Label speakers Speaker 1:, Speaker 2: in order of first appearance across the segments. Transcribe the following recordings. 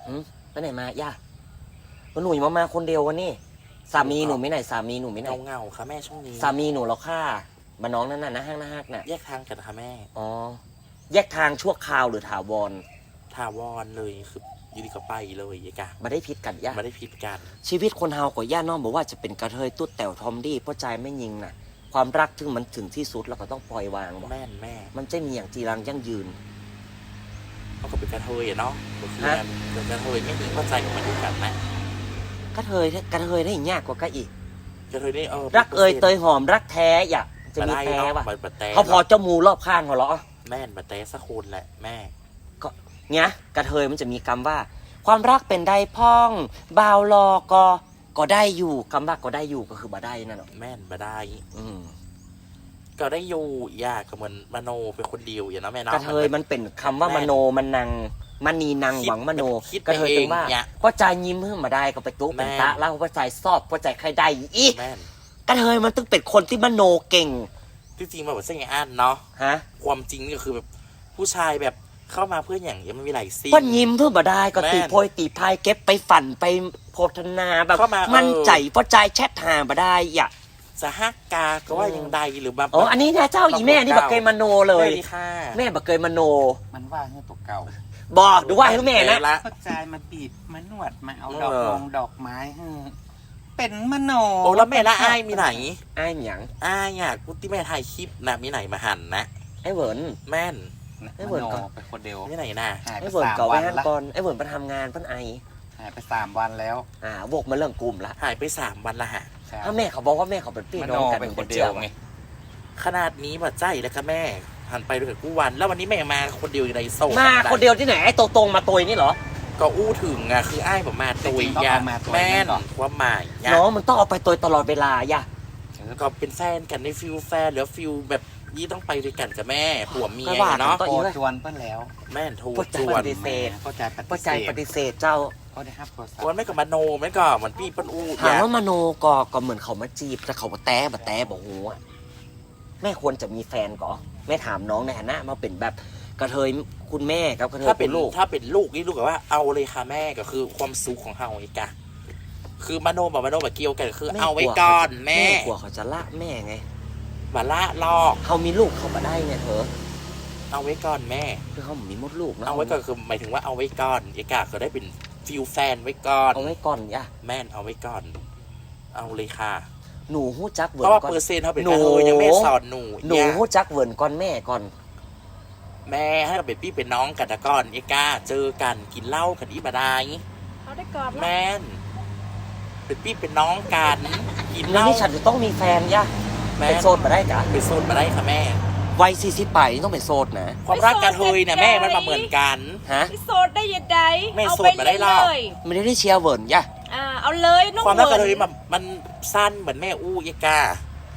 Speaker 1: ไปไหนมาย่าหนูมาคนเดียววันนี้สามีหนูไม่ไหนสามีหนูไม่ไหน
Speaker 2: เงาค่ะแม่ช่วงนี้
Speaker 1: สามีหนูเราฆ่ามาน้องนั่นน่ะนะห้างนะฮักน่ะ
Speaker 2: แยกทางกันค่ะแม่
Speaker 1: อ๋อแยกทางชั่วคราวหรือถาวร
Speaker 2: ถาวรเลยคืออยู่ดีก็ไปเลยยายกะ
Speaker 1: มาได้พิษกันย่า
Speaker 2: มาได้พิษกัน
Speaker 1: ชีวิตคนเฮากับย่าน้องบอกว่าจะเป็นกระเทยตุ๊ดแต๋วทอมดี้เพราะใจไม่ยิงน่ะความรักถึงมันถึงที่สุดแล้วก็ต้องปล่อยวาง
Speaker 2: แม่แม่
Speaker 1: มันจะมีอย่างจีรังยั่งยืน
Speaker 2: เขาก็เป็นกระเทยเนาะเป็นกระเทยไม่มีเข้าใจกับมันด้วยกันนะ
Speaker 1: กระเทยได้ยากกว่าก็อีก
Speaker 2: กระเทยนี่
Speaker 1: รักเอยเตยหอมรักแท้อย่าจะมีแท้ว่ะเขาพอเจ้ามูรอบข้างเขาเหรอ
Speaker 2: แม่บัดแท้สักคนแหละแม่
Speaker 1: ก็เนี้ยกระเทยมันจะมีคำว่าความรักเป็นได้พ่องบ่าวรอก็ได้อยู่คำว่าก็ได้อยู่ก็คือบ่ได้นั่นหรอ
Speaker 2: แม่นบ่ได้ก็ได้อยู่ยากก็เหมือนมโนเป็นคนเดียวอย่างนั้นแม่เนาะ
Speaker 1: กระเทยมันเป็นคำว่ามโนมันนางมณีนางหวังมโนกระเทยเป็นว่าพ่อใจยิ้มเพิ่มมาได้ก็ไปตุ๊เป็นตะแล้วพ่อใจซอบพ่อใจใครได้อีกระเทยมันต้องเป็นคนที่มโนเก่ง
Speaker 2: ที่จริงมาแบบเส้นอ่านเนาะความจริงก็คือแบบผู้ชายแบบเข้ามาเพื่ออย่างยังไม่มีหลายซี
Speaker 1: ก็ยิ้มเพื่อมาได้ก็ตีโพยตีพายเก็บไปฝันไปโพธนาแบบมั่นใจพ่อใจแชทหามาได้อย่า
Speaker 2: สหกาก็ว่ายังใดหรือแบบ
Speaker 1: อ๋ออันนี้นะเจ้าอีแม่นี่บักเกยมโนเลยแม่บักเกยมโน
Speaker 3: มันว่าให้ตัวเก่า
Speaker 1: บอกดูว่าให้แม่นะ
Speaker 3: เข้าใจมาบีบมานวดมาเอาดอกไม้เป็นมโน
Speaker 2: โอ้แล้วแม่ละอ้ายมีไหน
Speaker 1: อ้ายหยัง
Speaker 2: อ้ายอ่ะกูที่แม่ถ่ายคลิปนะมีไหนมาหันนะ
Speaker 1: ไอ้เหวิน
Speaker 2: แม่น
Speaker 1: ไอ้เหวินก่อน
Speaker 3: เป็นคนเดียว
Speaker 2: มีไหนนะ
Speaker 1: ไอ้เหวินก่อนก่อนไอ้เหวินไปทำงานพันไอ
Speaker 3: หายไป3 วันแล้ว
Speaker 1: วกมาเรื่องกลุ่มละ
Speaker 2: หายไป3 วันละฮะ
Speaker 1: ถ้าแม่เขาบอกว่าแม่เขาเป็นพี่น้องกัน
Speaker 3: เป็นคนเดียวไง
Speaker 2: ขนาดนี้บัดใจแล้วค่ะแม่หันไปดูกับกูวันแล้ววันนี้แม่มาคนเดียวอยู่ในโซ่
Speaker 1: มาคนเดียวที่ไหนไอ้ตรงมาตุยนี่เหรอ
Speaker 2: ก็อู้ถึงอ่ะคือไอ้ผมมาตุยยาแม่นว่าหมาย
Speaker 1: น้องมันต้องเอาไปตุยตลอดเวลาย่ะ
Speaker 2: ก็เป็นแฟนกันในฟิลแฟนหรือฟิลแบบยี่ต้องไปด้วยกันกับแม่ผัวเมียเนาะ
Speaker 3: โทรจวนเพิ่นแล้ว
Speaker 2: แม่นโทร
Speaker 1: จวนปฏิเสธพ่อใจปฏิเสธเจ้า
Speaker 3: ก็ได้ครับ
Speaker 2: วันไม่กับมโนไม่ก็เหมือนพี่ปั้นอู้
Speaker 1: ถามว่ามโนก็เหมือนเขามาจีบแต่เขาแต้บอกโอ้แม่ควรจะมีแฟนก่อแม่ถามน้องในฐานะมาเป็นแบบกระเทยคุณแม่กับกระเทยเป็นลูก
Speaker 2: ถ้าเป็นลูกนี่ลูกกับว่าเอาเลยค่ะแม่ก็คือความสุขของเฮาอีกอะคือมโนแบบเกี่ยวกันคือเอาไว้ก่อนแม่
Speaker 1: กลัวเขาจะละแม่ไง
Speaker 2: มาละลอก
Speaker 1: เขามีลูกเขามาได้ไงเธอ
Speaker 2: เอาไว้ก่อนแม่
Speaker 1: คือเขามีมดลูกนะ
Speaker 2: เอาไว้ก่อนคือหมายถึงว่าเอาไว้ก่อนอีกอะก็ได้เป็นฟิลแฟนไว้ก่อน
Speaker 1: เอาไว้ก่อนย่ะ
Speaker 2: แม่เอาไว้ก่อนเอาเลยค่ะ
Speaker 1: หนูหู้จักเวิร์น
Speaker 2: เพราะว่าเปอร์เซ็นต์เขาเป็นกระเทยยังแม่สอนหนู
Speaker 1: หู้จักเวิร์นก่อนแม่ก่อน
Speaker 2: แม่ให้เราเป็นพี่เป็นน้องกันก่อนเอกาเจอกันกินเหล้ากันอีบดาย
Speaker 4: เขาได้ก่อน
Speaker 2: แม่เป็นพี่เป็นน้องกันกินเหล้า
Speaker 1: นี่ฉันจะต้องมีแฟนย่ะเป็นโซนมาได้จ้ะ
Speaker 2: เป็นโซนมาได้ค่ะแม่
Speaker 1: วัย40ไปต้องเป็นโซนนะ
Speaker 2: ความรักกระเทยเนี่ยแม่มันมาเหมือนกัน
Speaker 4: โซนได้ยังไง
Speaker 2: แม่โซนมาได้หรอ
Speaker 1: ไม่ได้เชียร์เวิร์นย่ะ
Speaker 4: เอาเลยน้อง
Speaker 2: ความรักกระเทยมันสั้นเหมือนแม่อู้เอกา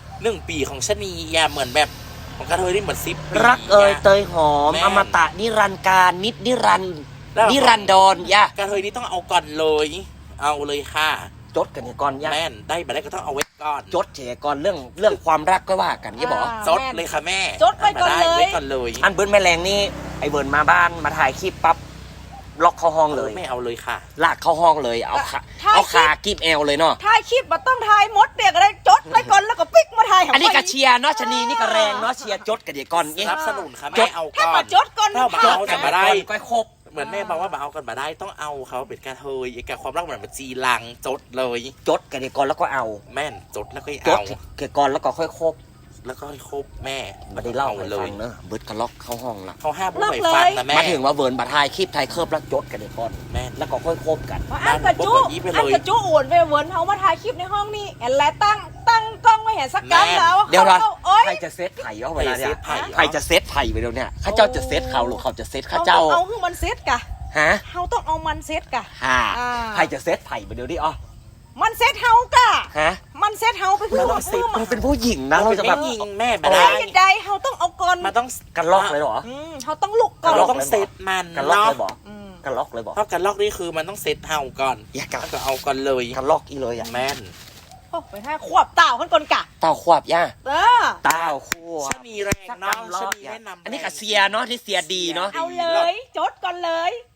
Speaker 2: 1 ปีของชนีอย่าเหมือนแบบของกระเทยนี่เหมือน10 ปี
Speaker 1: รักเอยเตยหอมอมตะนิรันดร์การนิรันดรย่ะ
Speaker 2: กระเทยนี่ต้องเอาก่อนเลยเอาเลยค่ะ
Speaker 1: จดกันก่อนย่ะ
Speaker 2: แม่ได้มาได้ก็ต้องเอาไว้ก่อน
Speaker 1: จดเฉยก่อนเรื่องความรักก็ว่ากันยี่บอก
Speaker 2: จดเลยค่ะแม่
Speaker 4: จดไปก่อน
Speaker 2: เลย
Speaker 1: อันเบิร์นแม่แรงนี่ไอเบิร์นมาบ้านมาถ่ายคลิปปั๊บล็อกเข้าห้องเลย
Speaker 2: ไม่เอาเลยค่ะ
Speaker 1: ลากเข้าห้องเลยเอาขากีบแอลเลยเนาะ
Speaker 4: ถ่ายคลิปมาต้องถ่ายมดเดียกอะไรจดไปก่อนแล้วก็ปิ๊กมาถ่าย
Speaker 1: อันนี้ก็เชียร์เนาะชนีนี่ก็แรงเนาะเชียร์จดกันเดี๋ยวก่อน
Speaker 2: สนับสนุนค่ะแม่เอาก่อน
Speaker 4: ถ้ามาจดก่อน
Speaker 2: ถ้ามาเอากันมาได้
Speaker 1: ก็ครบ
Speaker 2: เหมือนแม่บอกว่ามาเอากันมาได้ต้องเอาเขาเป็นกระเทยไอ้กับความรักเหมือนมันจีรังจดเลย
Speaker 1: จดกันเดี๋ยวก่อนแล้วก็เอา
Speaker 2: แม่นจดแล้วก็
Speaker 1: เอาเกี่ยวก่อนแล้วก็ค่อยครบ
Speaker 2: แล้วก็ครบแม่
Speaker 1: ไม่ได้เล่าเลยเนอะเบิร์ดก็ล็อกเข้าห้องละ
Speaker 2: เขาห้ามไม่ฟังนะแม่
Speaker 1: มาถึงว่าเวิร์นบัตรไทยคลิปไทยเคิร์ฟแล้วจดกันเดี๋ยวก่อน
Speaker 2: แม่
Speaker 1: แล้วก็ค่อยคบกัน
Speaker 4: อันกระจุอ่วนไปเวิร์นเขามาถ่ายคลิปในห้องนี่แอนแลตั้งกล้องไม่เห็นสักกั๊แล้ว
Speaker 1: เดี๋ยวใครจะเซตไผ่เอาเวลาเนี่ยใครจะเซตไผ่ไปเดี๋ยวเนี่ยข้าเจ้าจะเซตเขาหรือเขาจะเซตข้าเจ้า
Speaker 4: เอาคือมันเซตกะเขาต้องเอามันเซตกะ
Speaker 1: ใครจะเซตไผ่ไปเดี๋ยวดิอ๋อ
Speaker 4: มันเซตเฮากะมันเซตเฮาไปคือ
Speaker 1: เราเป็นผู้หญิงนะเราจะแบบ
Speaker 2: ยิงแม่
Speaker 4: ไม่ได้ใดเฮาต้องเอาก่อน
Speaker 2: มาต้อง
Speaker 1: กันล็อกเลยหรอ
Speaker 4: เฮาต้องลุกก่อน
Speaker 2: เราต้องเซตมัน
Speaker 1: กันล็อกเลยบอกกันล็อกเลยบอก
Speaker 2: เพราะกันล็อกนี่คือมันต้องเซตเฮาก่อน
Speaker 1: อย่ากัน
Speaker 2: ก็เอาก่อนเลย
Speaker 1: กันล็อกอีเลย
Speaker 2: แม่น
Speaker 4: โอ้ไปท่าขวบเต่าขึ้นก่อนกะ
Speaker 1: เต่าขวบย่าเต่าขวบ
Speaker 2: ชนีแรงเนาะชนีแนะนำ
Speaker 1: อันนี้กับเสียเนาะที่เสียดีเนาะ
Speaker 4: เอาเลยจดก่อนเลย